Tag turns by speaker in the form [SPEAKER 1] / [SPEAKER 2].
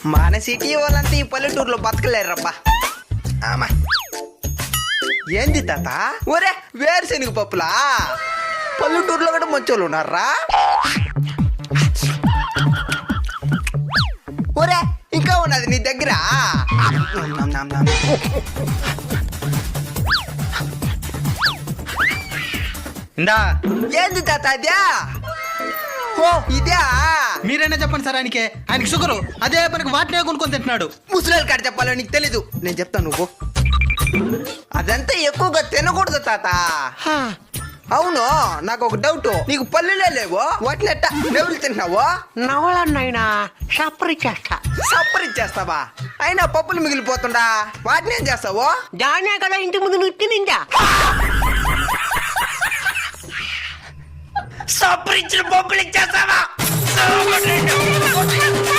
[SPEAKER 1] మన సిటీ వాళ్ళంతా ఈ పల్లెటూరులో బతకలేరబ్బా. ఆమా ఏంది తాత? ఒరే వేరుశెనగ పప్పులా? పల్లెటూరులో కూడా మంచోళ్ళు ఉన్నారా? ఒరే ఇంకా ఉన్నది నీ దగ్గర?
[SPEAKER 2] ఇందా
[SPEAKER 1] ఏంది తాత అదే? ఓ ఇదే.
[SPEAKER 2] మీరైనా చెప్పండి సార్, ఆయనకి షుగరు, అదే పనికి వాటినే కొనుక్కొని తింటున్నాడు.
[SPEAKER 1] ముసలి కాడ చెప్పాలో నీకు తెలీదు, నేను చెప్తాను నువ్వు. అదంతా ఎక్కువగా తినకూడదు తాత. అవును, నాకు ఒక డౌట్, నీకు పల్లెలే లేవు, వాటిని ఎట్టా నెవరు తింటున్నావు?
[SPEAKER 3] నవలన్నైనా సపరి చేస్తా.
[SPEAKER 1] సప్పరిచ్చేస్తావా? అయినా పప్పులు మిగిలిపోతుండా, వాటిని ఏం చేస్తావు?
[SPEAKER 3] దానే కదా ఇంటి ముందు నువ్వు తినిందా.
[SPEAKER 1] సప్పరిచ్చిన పప్పులు ఇచ్చేస్తావా?